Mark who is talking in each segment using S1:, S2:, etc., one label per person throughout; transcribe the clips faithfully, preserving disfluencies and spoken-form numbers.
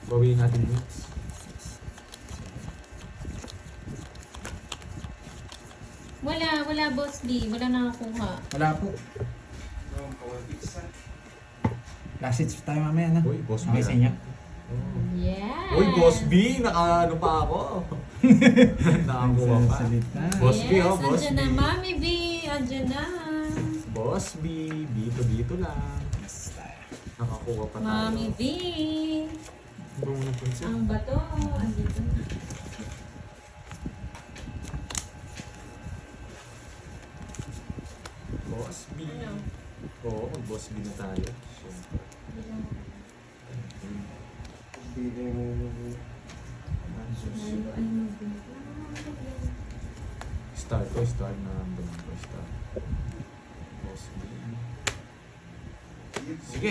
S1: Bawiin natin mix.
S2: Wala, wala boss B. Wala nakakuha.
S3: Wala po. Last hits tayo mamaya, no?
S1: Uy, boss
S3: Okay
S1: B,
S3: sa
S1: ah.
S3: inyo?
S2: Yeah.
S1: Uy, Boss B! Naka ano pa ako? Nakakuha pa.
S3: Salita.
S1: Boss B,
S2: yes,
S1: oh, Boss
S2: andyan
S1: B.
S2: na, Mami B. Andyan na.
S1: Boss B, dito-dito lang.
S3: Yes, tayo.
S1: Nakakuha pa tayo.
S2: Mami B.
S1: Buong napansin.
S2: Ang bato. Andito na.
S1: Boss B.
S2: Ano?
S1: Oo, mag-Boss B na tayo. Siyempre.
S2: Lalo ay mag-
S1: Star ko, star na naman ko, star. Boss B. Sige.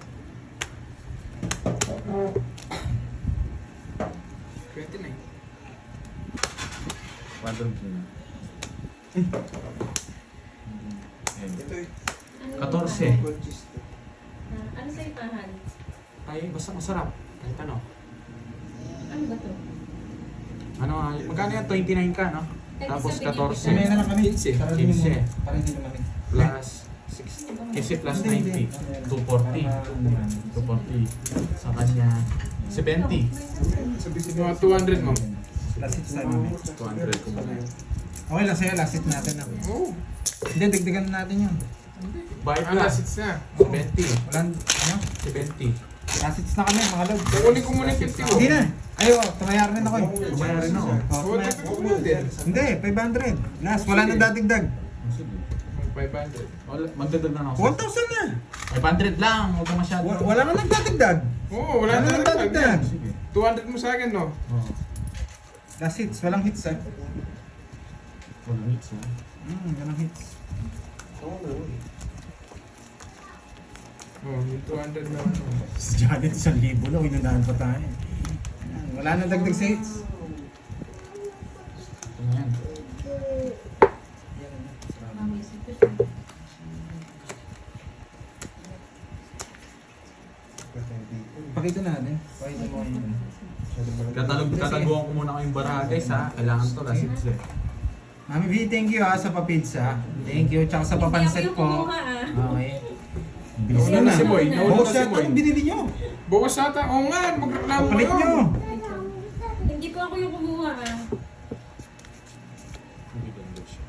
S4: twenty-nine.
S1: Quadrum na. Ayan.
S4: Ito eh.
S2: Ano
S1: Katorse.
S2: yung
S4: Gold cheese to.
S2: pahan? Ah, Ano sa ipahan?
S1: Ay, basta masarap. Kahit ano.
S2: Ano ba to?
S1: Ano, ah, magkano yan? twenty-nine ka, no?
S2: Kahit
S1: Tapos
S2: isang
S1: fourteen.
S3: Mamaya na lang kami.
S4: Quince.
S3: Para din mo.
S1: Quince.
S3: Para hindi naman eh.
S1: Plus sixty. Kasi plus
S3: Hindi, hindi.
S1: ninety. two forty. two forty. Sa kanya, seventy.
S4: Mga two hundred mo.
S3: Last hits tayo mamaya.
S1: two hundred ko muna.
S3: Okay lang sa'yo, last hits natin. ah.
S4: Oo.
S3: Hindi, dagdagan natin yun.
S1: Bayad
S4: Ang
S1: na.
S4: last hits na.
S1: seventy.
S3: Walang, ano?
S1: seventy.
S3: Last hits na kami, mga lord.
S4: Kukunin ko muna yung fifty mo.
S3: Hindi na. Ay, oh, tumayar rin ako eh.
S1: Tumayar rin ako.
S3: Oh,
S4: Huwag
S3: tumayar.
S4: ka kukunin.
S3: Hindi, five hundred. Last, wala na dadigdag.
S1: Sige.
S4: five hundred.
S1: Wala, magdadag na ako.
S3: one thousand na.
S1: five hundred lang. Huwag ka masyado.
S3: Wa- Wala na nagdadigdag.
S4: Oo, wala
S3: Wala
S4: na
S3: na
S4: lang.
S3: dadigdag.
S1: Sige.
S4: two hundred mo sa akin, no?
S1: Oo.
S3: Last hits, walang hits ah.
S1: Wala mix, ha?
S3: Hmm, walang hits.
S4: Oo, yung two hundred na ano.
S3: Si Janet, isang libo lang, inunahan pa tayo. Yan, wala na dagdag sa hits.
S1: Ito na yan.
S2: Mami, sige.
S3: Pakita natin. Pakita mo yun.
S1: Katalog, kataguan ko muna kayong baraha, guys, ha? Kailangan to, last hits, eh.
S3: Mami V, thank you ha sa papizza. Thank you. Tsaka sa papansit
S2: Hindi ako yung
S3: po.
S2: kumuha, ah.
S3: Okay. Bilis
S4: Nauna
S3: na
S4: na
S3: na.
S4: si Boy. Nauna
S3: Oo,
S4: na si
S3: siya,
S4: Boy.
S3: anong binili nyo?
S4: Bawas ata. Oo nga, magreklamo
S3: Palit
S4: kayo.
S3: nyo.
S2: Hindi po ako yung kumuha ah.
S1: Hindi ganda siya.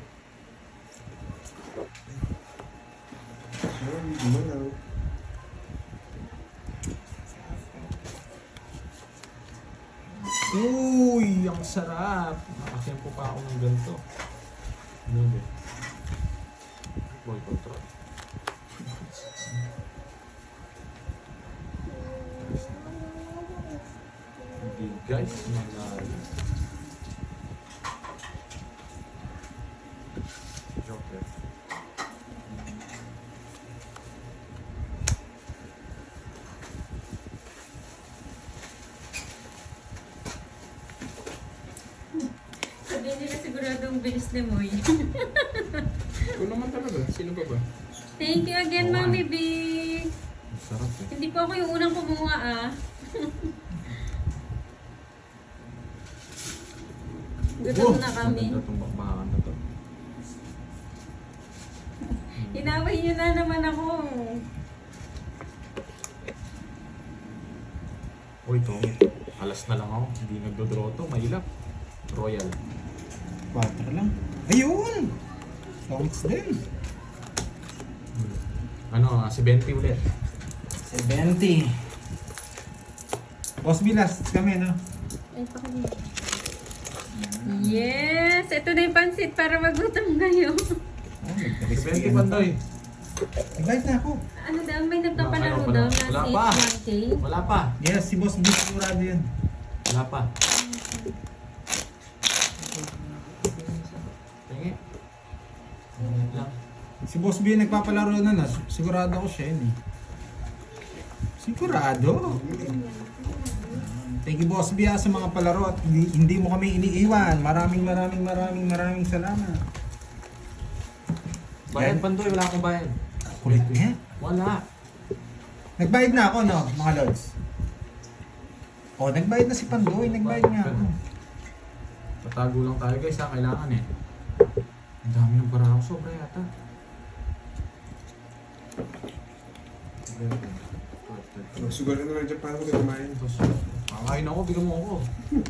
S1: Uy, ang sarap! Nakasempo pa ako ng ganito. Ano ba? Boy control. Hindi guys, manalo. Joker.
S2: Sabihin nila sigurado ang bilis ni Moy.
S4: Ikaw naman talaga. Sino pa ba?
S2: Thank you again,
S1: Oo,
S2: Mami
S1: ah.
S2: B.
S1: Ang sarap eh.
S2: Hindi po ako yung unang kumuha ah. Gutom na kami.
S1: Maganda itong bakbakan na to.
S2: Inaway niyo na naman ako.
S1: Uy, to. Alas na lang ako. Hindi nagdodraw to. Mahilap. Royal.
S3: Quattro lang. Ayun! Tongits din.
S1: Ano, ah, seventy ulit.
S3: seventy. Boss B, last kami, no?
S2: Ay, pakali. Yes! Ito na yung pansit para magutom kayo.
S3: Oh,
S1: seventy pandoy.
S3: Invite na ako.
S2: Ano daw? May nagpapalaro
S1: Ayaw pa
S2: daw
S1: na.
S2: na
S1: Wala
S2: si
S1: pa.
S2: one K.
S1: Wala pa.
S3: Yes, si Boss B, sigurado yan.
S1: Wala pa. Tingi. Tingin lang.
S3: Si Boss B nagpapalaro na na. Sigurado ako siya yun eh. Sigurado. Thank you Boss B ah, sa mga palaro at hindi, hindi mo kami iniiwan. Maraming maraming maraming maraming salamat.
S1: Bayad
S3: Yan.
S1: pandoy. Wala akong bayad.
S3: Kulit niya.
S1: Wala.
S3: Nagbayad na ako no, mga lods. Oh, nagbayad na si Pandoy. Nagbayad nga ako.
S1: Tatago lang tayo guys ha, kailangan eh. Ang dami ng bara ako, sobra yata.
S4: Sugar na lang dyan para ko kumain.
S1: Tapos, makakain ako, bigyan mo ako.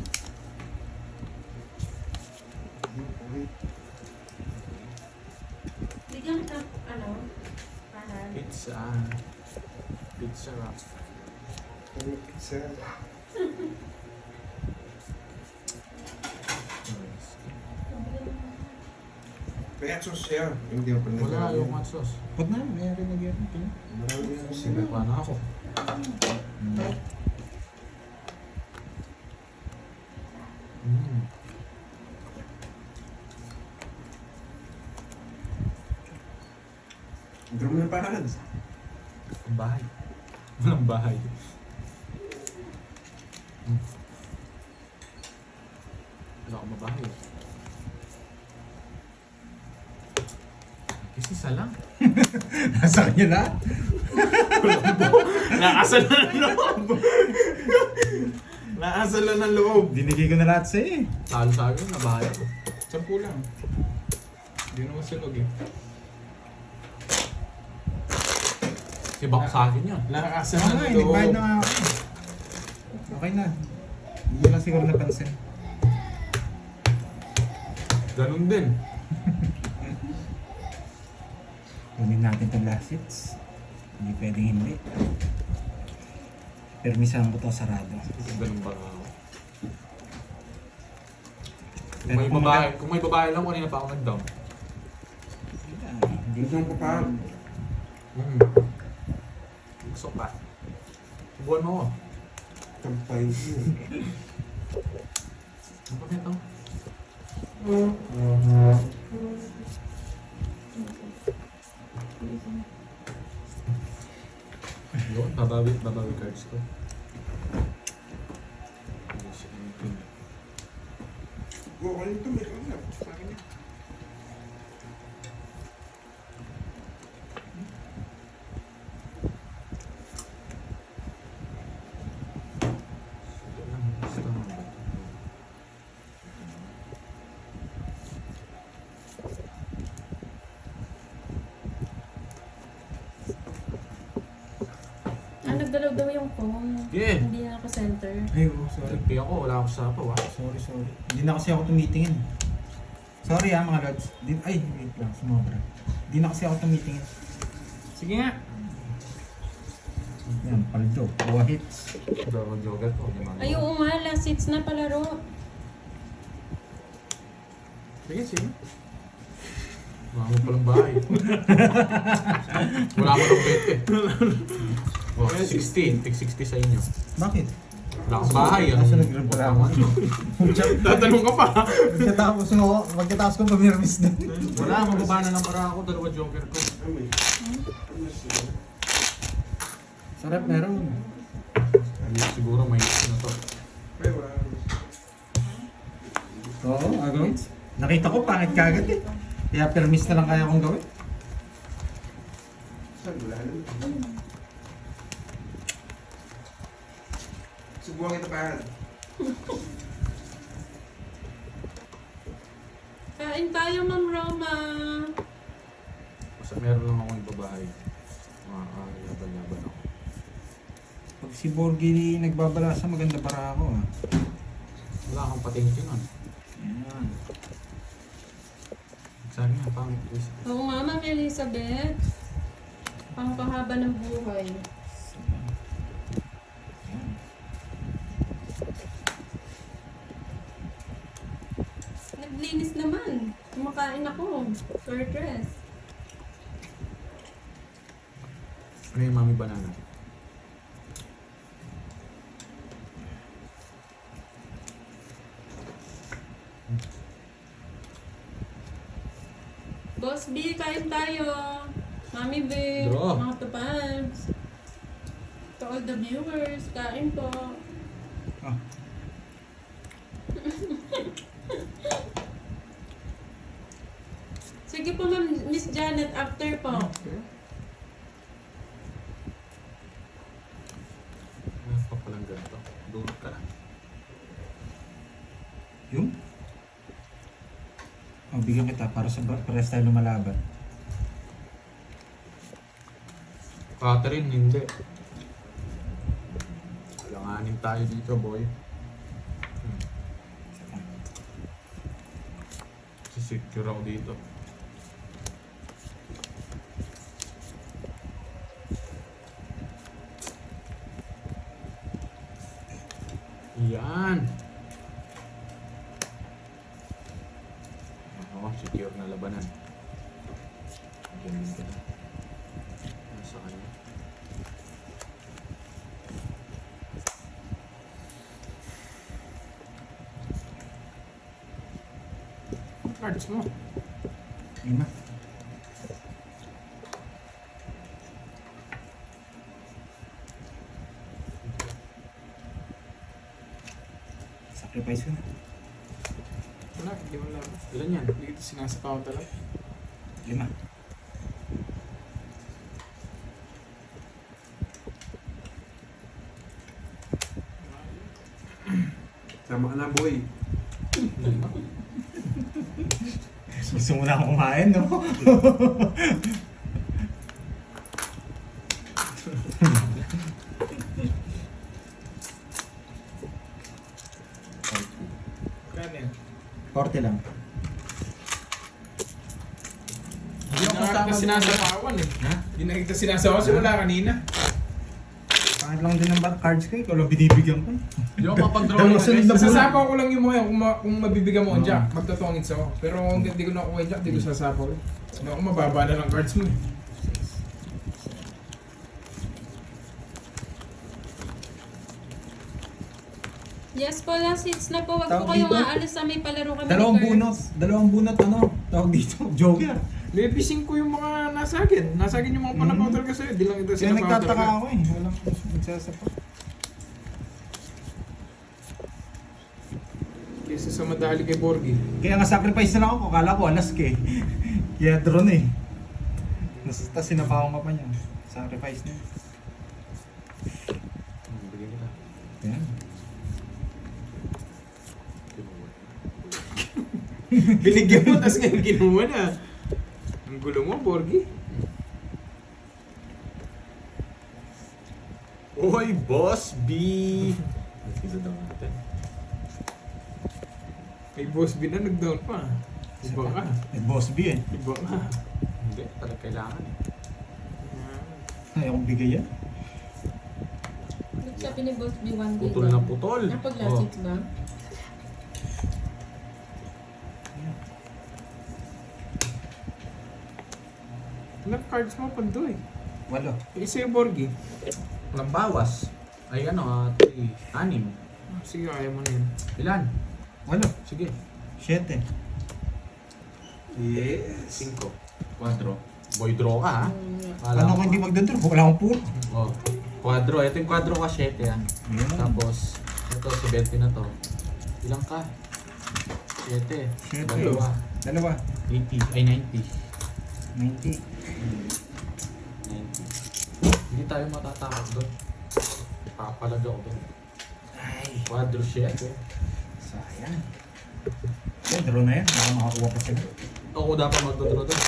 S2: Bigyan kita, ano, pahan.
S1: Pizza. Pizza wrap.
S4: Pizza. Kaya sauce siya. Hindi ako pala
S1: Wala yung hot sauce.
S3: Pag na, mayroon na gyero.
S4: Marami ako sila.
S1: Sila pa na ako. Mm.
S4: Drum na parang.
S1: Ang bahay. Walang bahay. Mm. Wala akong mabahay. Kasi isa lang.
S3: Nasa kanya lahat.
S1: Nakasal na ng loob. Nakasal na ng loob.
S3: Binigay ko na lahat sa'yo eh.
S1: Talo sa akin, nabahay ako.
S4: Sampu lang. Hindi naman sunog eh.
S1: Si Bak sa akin yun.
S4: Nakakasa
S3: Oo
S4: na
S3: nga eh,
S4: ng loob.
S3: nagbayad na nga ako. Okay na. Hindi ko lang siguro napansin.
S1: Ganun din.
S3: Kunin natin itong last hits. Hindi pwedeng hindi. Permisahan ko to sarado.
S1: Kasi ganun ba nga ako? Kung
S3: Pero
S1: may
S3: kung
S1: babae, kung may babae lang, kanina pa ako nag-down.
S3: Hindi
S4: Gusto mo pa.
S1: Mm. Gusto pa. Subuhan mo ako.
S4: Kampay.
S1: Ano ba nito? Yun, babawi, babawi cards ko. Yes, anything.
S4: Oo, ano ito? May kanya. Sa akin eh.
S1: Ito lang, basta mo ba ito?
S2: Ah, nagdalaw daw yung phone.
S1: Yeah.
S2: Hindi na ako center.
S3: Ay, oh, sorry.
S1: Nagpay ako, wala ako sa apaw ah.
S3: Sorry, sorry. Hindi na kasi ako tumitingin. Sorry ah mga lads. Di, ay, wait lang. Sumobra. Hindi na kasi ako tumitingin.
S1: Sige nga.
S3: Yan, paldo. Buwa hits.
S1: Daro jogger ko. Hindi
S2: Ay, oo nga, last seats na palaro.
S1: Sige, sige. Wala mo palang bahay. Wala mo ng bed eh. Oh, sixteen. Tig sixty sa inyo.
S3: Bakit?
S1: Wala akong bahay. Ano?
S3: Nasa nagreklamo.
S1: Tatanong ka pa.
S3: Pagkatapos mo, pagkatapos ko pamirmis din.
S1: Wala, mababa na ng para ako. Dalawa joker ko.
S4: Ano eh? Ano siya?
S3: Sarap meron.
S1: Ano, siguro may ano to.
S4: Ay, wala.
S3: Oo, agawin. Nakita ko pangit kagad eh. Kaya permis na lang kaya kong gawin.
S4: Saan? Wala na. Subuhan kita pa.
S2: Kain tayo, Ma'am Roma.
S1: Basta meron lang akong ibabahay. Makakalaban-laban ako.
S3: Pag si Borgi nagbabalasa, maganda para ako ah.
S1: Wala akong patingin nun.
S3: Ayan.
S1: Sabi nga, pang twist.
S2: Oo nga, Ma'am Elizabeth. Pangkahaba ng buhay.
S3: Ayan.
S2: Naglinis naman. Kumakain ako. Short dress.
S1: Ano yung mami banana?
S2: Boss B, kain tayo. Mami B,
S1: Draw.
S2: mga tupads. To all the viewers, kain po.
S3: Ah.
S2: Sige po, Ma'am Miss Janet, after po.
S1: Ano pa palang ganito? Doon ka na.
S3: bibigyan kita para sa pares tayo lumalaban.
S1: Catherine, hindi. Alanganin tayo dito, boy. Hmm. Sisecure ako dito. Yan. Oo, secure na labanan. Ganun ka na. Nasa kanya. Cards mo.
S3: Lima. Sacrifice ko.
S1: Wala, hindi mo lang. Ilan yan? Hindi kita sinasapawan talaga.
S3: Lima.
S4: Sama ka na, boy.
S1: Lima.
S3: Gusto mo na akong kumain, no?
S1: Kaya yan.
S3: forty lang.
S1: Hindi ako kita sinasapawan eh.
S3: Ha?
S1: Hindi na kita sinasapawan. So wala kanina.
S3: Pangit lang din ang bar- cards ko eh. Ikaw lang binibigyan ko.
S1: Hindi ako mapag-draw
S3: Dalawa
S1: yun.
S3: sunod na buwan.
S1: Sasapaw ko lang yung mga kung, ma- kung mabibigyan mo ang
S3: Oo.
S1: jack. Magtotongits ako. Pero kung hindi ko nakuha yung jack, hindi ko sasapaw. Hindi ako mababa na ng cards mo eh.
S2: Yes po, last hits na po. Wag po
S3: Tawag
S2: kayong
S3: dito?
S2: aalis sa may palaro kami
S3: Dalawang
S2: ni
S3: bunot.
S2: Cards.
S3: Dalawang bunot ano? Tawag dito. Joker.
S1: Lepising ko yung mga nasa akin. Nasa akin yung mga
S3: Mm.
S1: panapaw talaga sa'yo. Di lang ito
S3: Kaya
S1: sinapaw
S3: nagtataka
S1: talaga.
S3: ako eh. Walang nagsasapa.
S1: Kesa sa madali kay Borgie.
S3: Kaya nga sacrifice na lang ako. Kala ko alas ka eh. Kaya drone eh. Nasa tas sinapawan ka pa niya. Sacrifice na.
S1: Hmm, bigyan kita.
S3: Yan.
S1: Binigyan mo, tapos ngayon kinuha na. Ang gulo mo, Borgie. Uy, Boss B! Isa daw natin. Kay Boss B na nag-down pa. Iba ka.
S3: Eh, boss B eh.
S1: Iba ka. Hindi, talaga kailangan eh.
S3: Ayaw kong bigay yan.
S2: Sabi ni Boss B one day.
S1: Putol na putol.
S2: Napag last
S1: Oh.
S2: hits ba?
S1: Ilang cards mo pa doon eh.
S3: Walo.
S1: Isa yung Borgie.
S5: Walang bawas. Ay ano, ah, three, anim.
S1: Ah, sige, ayaw mo na yun.
S5: Ilan?
S3: Walo.
S5: Sige.
S3: Siyete.
S4: Yes.
S5: Cinco. Quadro. Boy draw ka ha?
S2: Mm,
S3: Paano ko hindi magdodro? Wala akong pool.
S5: Oh. Quadro. Ito yung quadro ka, siete ah.
S3: Yan.
S5: Tapos, ito, si Betty na to. Ilang ka? Siete.
S3: Siyete.
S5: Dalawa.
S3: Dalawa.
S5: eighty. Ay, ninety.
S3: ninety.
S5: ninety. Hindi tayo matatakot doon. Papalag ako doon.
S3: Ay.
S5: Quadro siete.
S3: Sayang. Eh, draw na yan. Baka makakuha pa sila.
S5: Ako dapat magdodraw doon.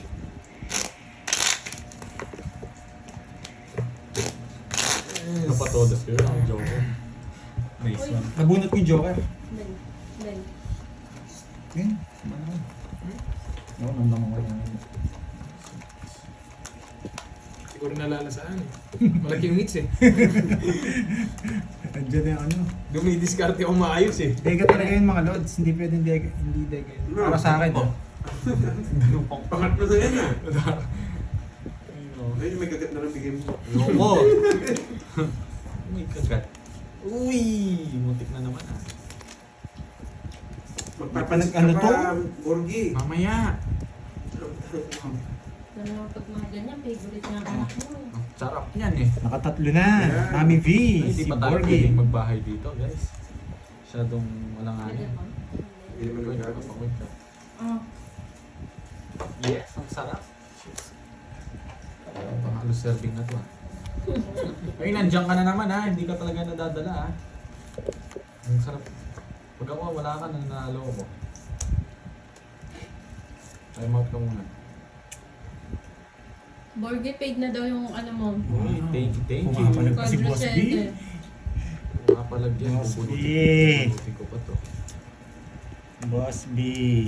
S5: Napatodas ko yun. Ang joker. Nice
S2: Uy.
S5: one.
S3: Nabunot ko yung Joker.
S2: Dali. Dali.
S3: Yan. Ano? No, nandang ko yan.
S1: Siguro nalalasaan eh. Malaking hits eh.
S3: Andiyan na yung ano.
S1: Dumidiskarte ako maayos eh.
S3: Dega talaga yun mga lods. Hindi pwedeng dega. Hindi dega yun. Para sa akin. Oh.
S4: Pangatlo na yan ah.
S5: Ano?
S4: Ayun, may kagat na lang bigay mo.
S5: Loko! May kagat. Uy! Mutik na naman ah.
S4: Magpapansin
S3: Ano
S4: ka
S3: to?
S4: pa, Borgie.
S1: Mamaya.
S2: Ano naman pag mga ganyan, favorite niya ang anak mo.
S5: Ang sarap niyan eh.
S3: Nakatatlo na.
S4: Yan.
S3: Mami V.
S5: Ay,
S3: Si
S5: Hindi pa tayo
S3: Borgie.
S5: pwedeng magbahay dito guys. Masyadong walang
S2: Pwede
S5: ano.
S2: ba?
S4: Hindi naman
S5: Pwede
S4: nagagawa.
S5: ka pa kwenta.
S2: Ah,
S5: Yes, ang sarap. Pang halos serving na to ah. Ay, nandiyan ka na naman ah. Hindi ka talaga nadadala ah. Ang sarap. Pag ako wala ka, nanalo ko. Time out ka muna.
S2: Borgie paid na daw yung ano mo.
S5: Uy, thank you, thank you.
S3: Pumapalag pa si Boss B.
S2: Quadrocente.
S5: Makapalag yan.
S3: Boss B.
S5: Bubunutin bubunutin ko pa to.
S3: Boss B.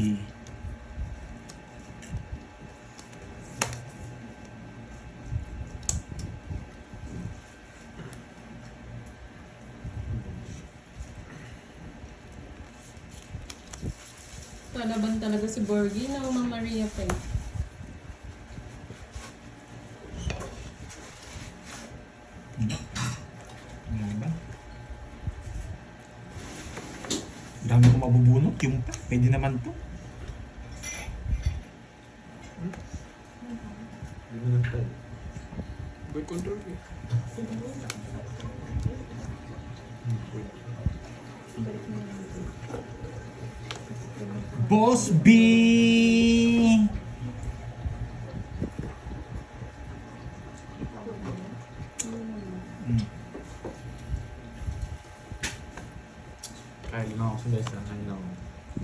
S2: Kalaban talaga si Borgie na Mama Maria pa eh.
S3: Ano ba? Dami ko mabubunot. Yung pa. Pwede naman to.
S5: Hindi mo lang tayo.
S4: Boy control eh.
S3: Boss B! Hmm.
S5: Kaya lima ako sa best lang. Kaya ako.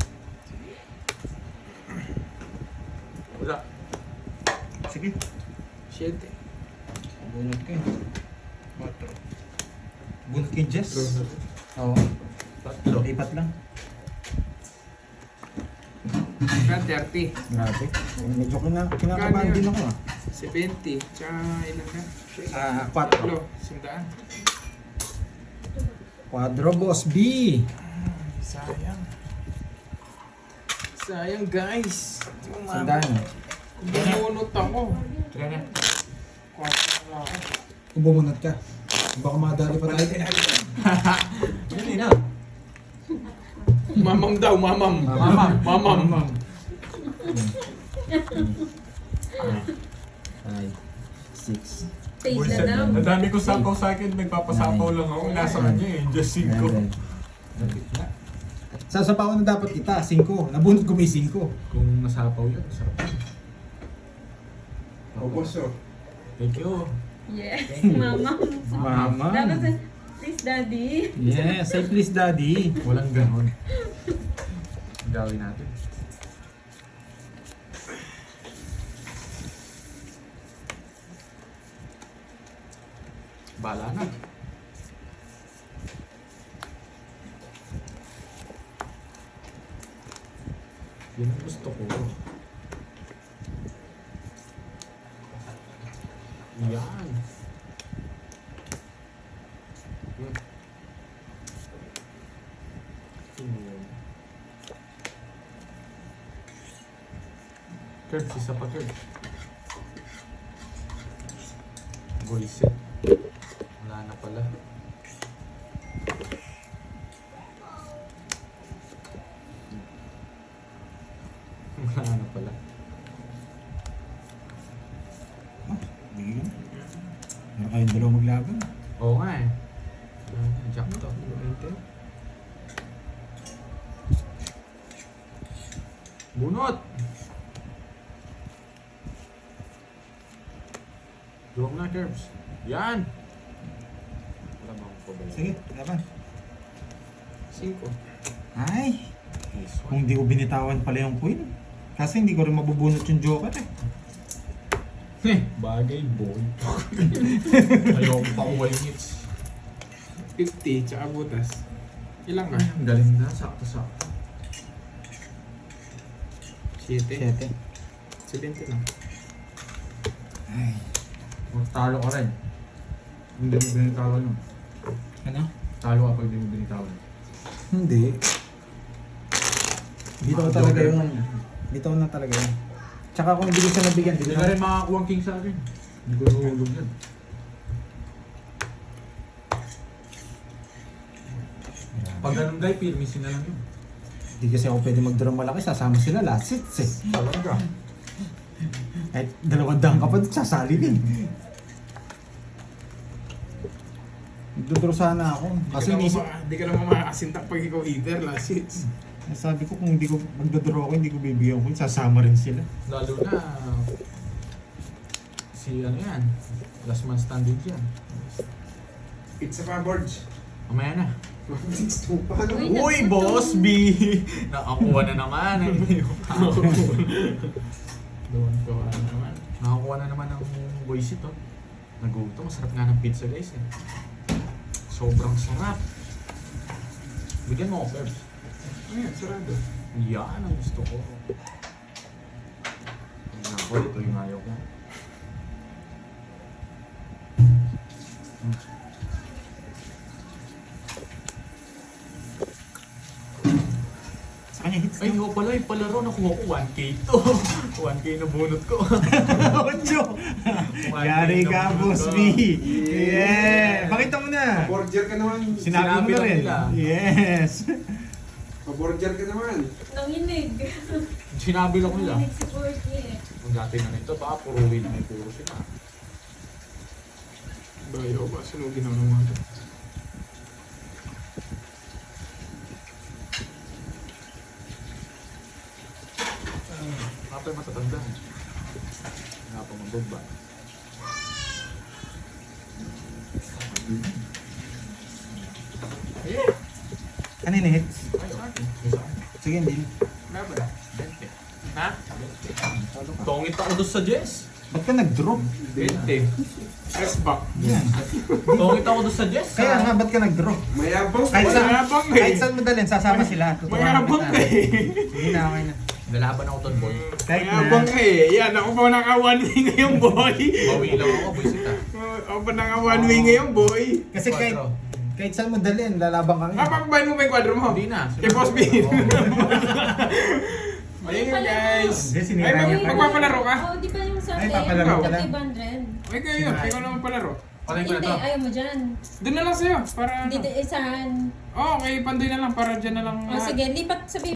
S5: Wala.
S3: Sige.
S4: Siyete.
S3: Bunot ka eh. Quatro. Bunot ka yung Jess? Oo.
S5: Tatlo.
S3: Lipat lang.
S4: Ka thirty.
S3: Grabe. Medyo kina, kinakabahan din ako ah.
S4: seventy. Tsaka ilan ka?
S3: Ah, quattro.
S4: Tatlo. Sundaan.
S3: Quadro Boss B.
S4: Sayang. Sayang guys. Hindi ko
S3: Sandaan.
S4: Kung bumunot ako.
S5: Tira na.
S4: Kwatro na ako.
S3: Kung bumunot ka. Baka madali pa tayo.
S5: Yun eh na.
S4: Mamam daw, mamam.
S3: Mamam.
S4: Mamam.
S3: Five, six,
S2: Paid na daw.
S5: Ang dami ko sapaw sa akin. Nagpapasapaw lang ako. Nasa kanya eh. Just cinco.
S3: seven. Sasapawan na dapat kita. Cinco. Nabunot ko may cinco.
S5: Kung nasapaw yun, sarap yun.
S4: O boss oh.
S5: Thank you.
S2: Yes, Mama.
S3: Mama.
S2: Dapat sa, please Daddy.
S3: Yes, say please daddy.
S5: Walang ganon. Gawin natin. Bala na. Yun ang gusto ko. Yan. Hmm. Sino yun? Curbs, isa pa curbs. Goiset. Wala na pala. Wala na pala.
S3: Meron kayong dalawa maglaban.
S5: Oo nga eh. Jack to. Bunot! Drop na, Curbs. Yan! Wala ba akong pabalik?
S3: Sige, laban.
S4: Cinco.
S3: Ay,
S5: Nice
S3: kung
S5: one.
S3: di ko binitawan pala yung queen. Kasi hindi ko rin mabubunot yung joker eh.
S5: Eh, bagay boy. Ayoko pa uwal hits.
S4: fifty. Tsaka butas. Ilang ka?
S5: Ang galing na, sakto-sakto.
S4: Siete.
S3: Siyete.
S4: seventy lang.
S3: Ay.
S5: Talo ka rin. Hindi mo binitawan yun.
S3: Ano?
S5: Talo ka pag hindi mo binitawan.
S3: Hindi. Dito ko talaga yun. Dito ko na talaga yun. Tsaka kung hindi ko siya nabigyan,
S5: Hindi
S3: dito
S5: ka
S3: na.
S5: rin makakuha ang king sa akin. Hindi ko nahulog yan. Pag ganun guy, pirmisin na lang yun.
S3: Hindi kasi ako pwede mag-draw malaki, sasama sila last sits eh.
S5: Talaga.
S3: Kahit dalawang dang ka pa, sasali din. Nagdodraw sana ako. Kasi
S4: Hindi
S3: inisip,
S4: ka naman makakasintak pag ikaw hitter. Last hits.
S3: sabi ko kung hindi ko magdodraw ako, hindi ko bibigyan ko, sasama rin sila.
S5: Lalo na, si ano yan, last man standing yan.
S4: Pizza pa boards.
S5: Mamaya na.
S4: six two. Paano?
S2: Uy,
S5: Uy,
S2: nagputo.
S5: Boss B! Nakakuha na naman.
S1: Doon ko ano naman.
S5: Nakakuha na naman ng boys ito. Nagutom. Masarap nga ng pizza guys eh. Sobrang sarap. Bigyan mo ako, Perbs.
S4: Ayan, sarado.
S5: Yan ang gusto ko. Ako, ito yung ayaw ko. Hmm.
S3: Sa kanya hits
S5: Ay,
S3: na.
S5: nga pala, yung palaro nakuha ko one K to. one K na bunot ko.
S3: Ocho! Yari ka, Boss B! Yeah! Pakita mo na!
S4: Paborger ka naman.
S3: Sinabi mo
S5: Sinabi
S3: na
S5: lang
S3: rin.
S5: nila.
S3: Yes!
S4: Paborger ka naman.
S2: Nanginig.
S5: Sinabi lang nila.
S2: Nanginig si Porky eh.
S5: Kung dati na nito, baka puro win na puro sila.
S1: Bayo ba? Sunugin ako naman ito.
S5: Kapag matatanda. Nga pa mababa.
S3: Ano yung hits?
S5: Ay, okay. Isa.
S3: Sige, hindi.
S5: Laban. twenty. Ha? Tongit ako doon sa Jess.
S3: Ba't ka nag-drop?
S5: twenty.
S1: S-back.
S3: Yan.
S5: Tongit ako doon sa Jess.
S3: Kaya nga, ba't ka nag-drop?
S4: Mayabang ka.
S3: Kahit saan,
S1: Mayabang eh.
S3: kahit saan mo dalhin, sasama sila. Tuturuan
S1: Mayabang
S3: kita.
S1: ka eh.
S3: Hindi na, okay na.
S5: Lalaban ako doon, boy.
S3: Kahit
S1: Mayabang
S3: na.
S1: ka eh. Yan, ako pa naka one way ngayon, boy.
S5: Bawi lang ako, boy sita.
S1: Ako pa naka one way ngayon, boy.
S3: Kasi kahit, kahit saan mo dalhin, lalabang ka nga.
S1: Napakbayan mo ba yung kwadro mo?
S5: Hindi na.
S1: Kay Boss B.
S5: Oo.
S1: Ayun yun, guys.
S3: Hindi, sinira
S1: Ay, mag-
S3: niya pa.
S1: magpapalaro ka?
S2: Oo, di ba yung sa
S3: Ay,
S2: atin?
S3: papalaro
S1: ka
S3: lang.
S2: Kay Bandren.
S1: Ay, kayo yun. Ikaw naman palaro.
S5: Patay ko na
S2: Hindi,
S5: to.
S2: ayaw mo dyan.
S1: Doon na lang sa'yo. Para
S2: Hindi,
S1: ano.
S2: isahan.
S1: Oo, kay Pandoy na lang. Para dyan na lang.
S2: O
S1: lahat.
S2: sige, lipat sa